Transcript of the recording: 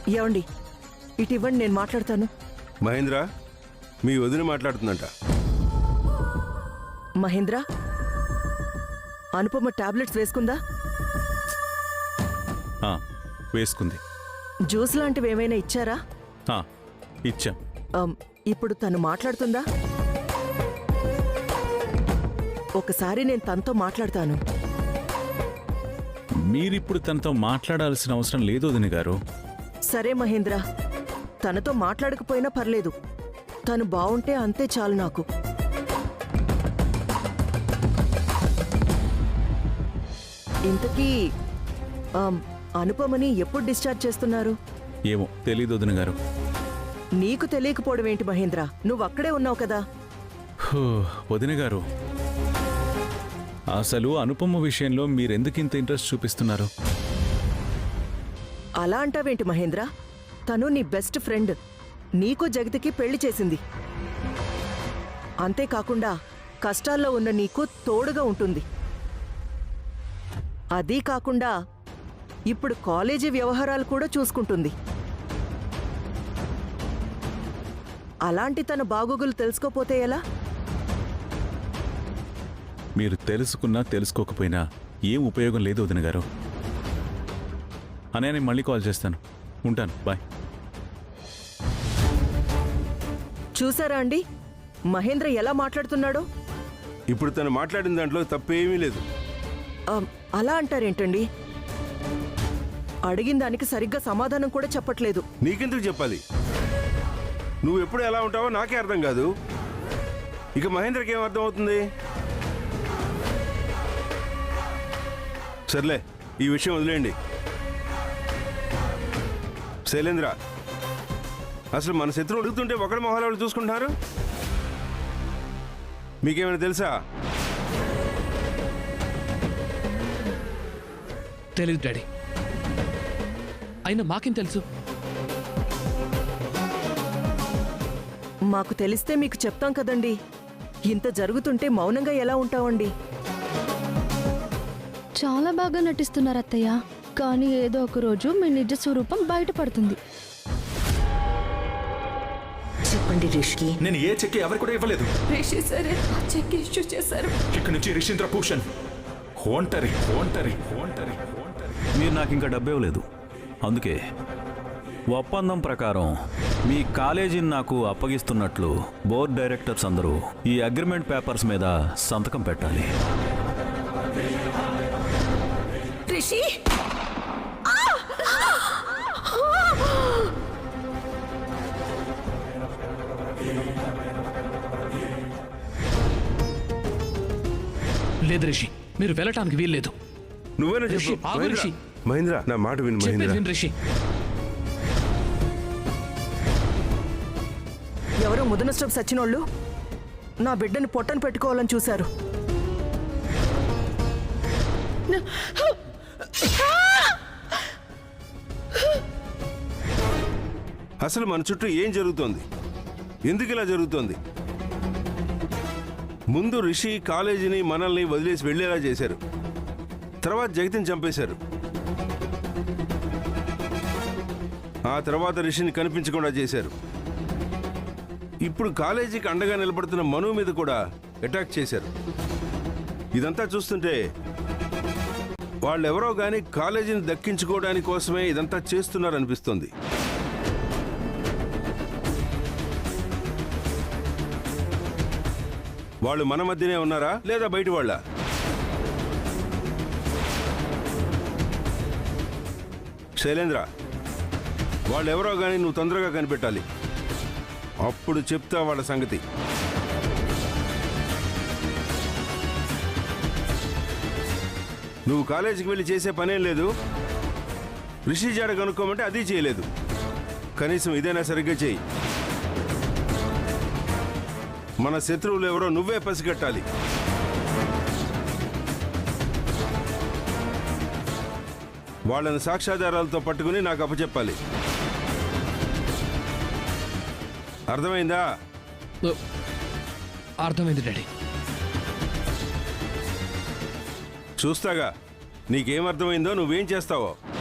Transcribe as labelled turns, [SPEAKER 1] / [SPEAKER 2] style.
[SPEAKER 1] ఏమండి, ఇటు ఇవ్వండి, నేను మాట్లాడతాను.
[SPEAKER 2] మహేంద్ర, మీ వదిన మాట్లాడుతుందంట.
[SPEAKER 1] మహేంద్ర, అనుపమ టాబ్లెట్స్ వేసుకుందా?
[SPEAKER 3] వేసుకుంది.
[SPEAKER 1] జ్యూస్ లాంటివి ఏమైనా ఇచ్చారా?
[SPEAKER 3] ఇచ్చాం.
[SPEAKER 1] ఇప్పుడు తను మాట్లాడుతుందా? ఒకసారి నేను తనతో మాట్లాడతాను.
[SPEAKER 3] మీరిప్పుడు తనతో మాట్లాడాల్సిన అవసరం లేదు వదిన గారు.
[SPEAKER 1] సరే మహేంద్ర, తనతో మాట్లాడకపోయినా పర్లేదు, తను బావుంటే అంతే చాలు నాకు. ఇంతకీ అనుపమని ఎప్పుడు డిశ్చార్జ్ చేస్తున్నారు?
[SPEAKER 3] ఏమో తెలీదు వదిన గారు.
[SPEAKER 1] నీకు తెలియకపోవడం ఏంటి మహేంద్ర? నువ్వు అక్కడే ఉన్నావు కదా.
[SPEAKER 3] వదిన గారు, అసలు అనుపమ విషయంలో మీరెందుకింత ఇంట్రెస్ట్ చూపిస్తున్నారు?
[SPEAKER 1] అలా అంటావేంటి మహేంద్ర? తను నీ బెస్ట్ ఫ్రెండ్, నీకు జగతికి పెళ్లి చేసింది. అంతేకాకుండా కష్టాల్లో ఉన్న నీకు తోడుగా ఉంటుంది. అదీ కాకుండా ఇప్పుడు కాలేజీ వ్యవహారాలు కూడా చూసుకుంటుంది. అలాంటి తన బాగోగులు తెలుసుకోపోతే ఎలా?
[SPEAKER 3] మీరు తెలుసుకున్నా తెలుసుకోకపోయినా ఏం ఉపయోగం లేదు వదిన గారు. అనే నేను మళ్ళీ కాల్ చేస్తాను. ఉంటాను, బాయ్.
[SPEAKER 1] చూసారా అండి మహేంద్ర ఎలా మాట్లాడుతున్నాడో?
[SPEAKER 2] ఇప్పుడు తను మాట్లాడిన దాంట్లో తప్పేమీ లేదు.
[SPEAKER 1] అలా అంటారేంటండి? అడిగిన దానికి సరిగ్గా సమాధానం కూడా చెప్పట్లేదు.
[SPEAKER 2] నీకెందుకు చెప్పాలి? నువ్వు ఎప్పుడు ఎలా ఉంటావో నాకే అర్థం కాదు. ఇక మహేంద్రకి ఏం అర్థం అవుతుంది? సర్లే, ఈ విషయం వదిలేయండి. శైలేంద్ర, అసలు మన శత్రువు అడుగుతుంటే ఒకరి మొహాలు వాళ్ళు చూసుకుంటున్నారు. మీకేమైనా తెలుసా?
[SPEAKER 4] తెలీదు డాడీ. అయినా మాకేం తెలుసు?
[SPEAKER 1] మాకు తెలిస్తే మీకు చెప్తాం కదండి. ఇంత జరుగుతుంటే మౌనంగా ఎలా ఉంటామండి?
[SPEAKER 5] చాలా బాగా నటిస్తున్నారు అత్తయ్య, కానీ ఏదో ఒక రోజు మీ నిజ స్వరూపం బయటపడుతుంది.
[SPEAKER 6] చెప్పండి రిషి.
[SPEAKER 7] నేను ఏ చెక్ ఎవరు కూడా ఇవ్వలేదు.
[SPEAKER 6] రిషి సరే, చెక్ ఇష్యూ చేశారు.
[SPEAKER 7] ఇక్కడ నుంచి రిషీంద్ర భూషణ్ ఒంటరి ఒంటరి ఒంటరి ఒంటరి.
[SPEAKER 8] మీరు నాకు ఇంకా డబ్బు ఇవ్వలేదు, అందుకే ఒప్పందం ప్రకారం మీ కాలేజీని నాకు అప్పగిస్తున్నట్లు బోర్డ్ డైరెక్టర్స్ అందరూ ఈ అగ్రిమెంట్ పేపర్స్ మీద సంతకం పెట్టాలి.
[SPEAKER 6] రిషి,
[SPEAKER 4] లేదు రిషి, మీరు వెళ్ళటానికి వీల్లేదు.
[SPEAKER 2] నువ్వేనా
[SPEAKER 4] రిషి,
[SPEAKER 2] చెప్పు.
[SPEAKER 4] ఆగు రిషి.
[SPEAKER 2] మహేంద్ర, నా మాట విను
[SPEAKER 4] చెప్పేది
[SPEAKER 2] మహేంద్ర.
[SPEAKER 4] విను రిషి.
[SPEAKER 1] ఎవరో ముదనష్టం సచ్చినోళ్ళు నా బిడ్డని పొట్టను పెట్టుకోవాలని చూశారు.
[SPEAKER 2] అసలు మన చుట్టూ ఏం జరుగుతోంది? ఎందుకు ఇలా జరుగుతోంది? ముందు రిషి కాలేజీని మనల్ని వదిలేసి వెళ్ళేలా చేశారు. తర్వాత జగతిని చంపేశారు. ఆ తర్వాత రిషిని కనిపించకుండా చేశారు. ఇప్పుడు కాలేజీకి అండగా నిలబడుతున్న మను మీద కూడా అటాక్ చేశారు. ఇదంతా చూస్తుంటే వాళ్ళెవరో గాని కాలేజీని దక్కించుకోవడానికి కోసమే ఇదంతా చేస్తున్నారనిపిస్తోంది. వాళ్ళు మన మధ్యనే ఉన్నారా లేదా బయట వాళ్ళ? శైలేంద్ర, వాళ్ళెవరో గాని నువ్వు తొందరగా కనిపెట్టాలి. అప్పుడు చెప్తా వాళ్ళ సంగతి. నువ్వు కాలేజీకి వెళ్ళి చేసే పనేం లేదు. రిషి జాడ కనుక్కోమంటే అది చేయలేదు. కనీసం ఇదైనా సరిగ్గా చేయి. మన శత్రువులు ఎవరో నువ్వే పసిగట్టాలి. వాళ్ళని సాక్ష్యాధారాలతో పట్టుకుని నాకు అప్పచెప్పాలి. అర్థమైందా?
[SPEAKER 4] అర్థమైంది డాడీ.
[SPEAKER 2] చూస్తాగా నీకేం అర్థమైందో, నువ్వేం చేస్తావో.